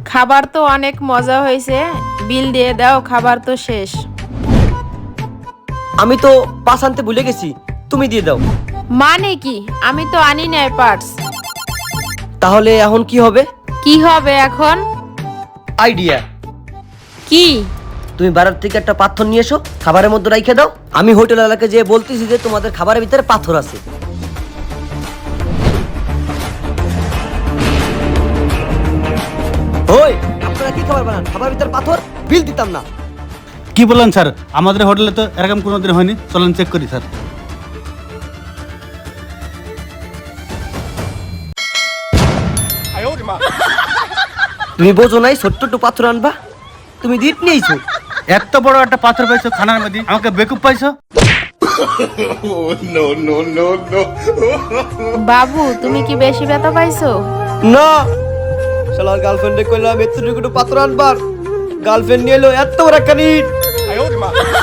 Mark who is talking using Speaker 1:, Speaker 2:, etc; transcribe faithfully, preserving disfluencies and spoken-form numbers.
Speaker 1: খাবার তো অনেক মজা হয়েছে, বিল দিয়ে দাও, খাবার তো শেষ।
Speaker 2: আমি তো পাস আনতে ভুলে গেছি, তুমি দিয়ে দাও।
Speaker 1: মানে কি? আমি তো আনি নাই পার্স।
Speaker 2: তাহলে এখন কি হবে?
Speaker 1: কি হবে এখন?
Speaker 2: আইডিয়া।
Speaker 1: কি?
Speaker 2: তুমি বাড়ার থেকে একটা পাথর নিয়ে এসো, খাবারের মধ্যে রাইখে দাও। আমি হোটেল এলাকায় যেয়ে বলতেছি যে তোমাদের খাবারের ভিতরে পাথর আছে। ওই আপনারা কি খাবার বানান, খাবারের ভিতরে পাথর? বিল দিতাম না।
Speaker 3: কি বললেন স্যার? আমাদের হোটেলে তো এরকম কোনোদিন হয়নি, চলেন চেক করি স্যার।
Speaker 2: তুমি বোঝো নাই ছোট্ট একটু পাথর আনবা? তুমি দিট নিয়েছো।
Speaker 3: এত বড় একটা পাথর পাইছো খানার মধ্যে, আমাকে বেকুব পাইছো?
Speaker 1: বাবু, তুমি কি বেশি ব্যথা পাইছো?
Speaker 2: না, শালার গার্লফ্রেন্ডে কইলাম এত একটু পাথর আনবার, গার্লফ্রেন্ড নিয়ে এলো এত বড় একটা নিট।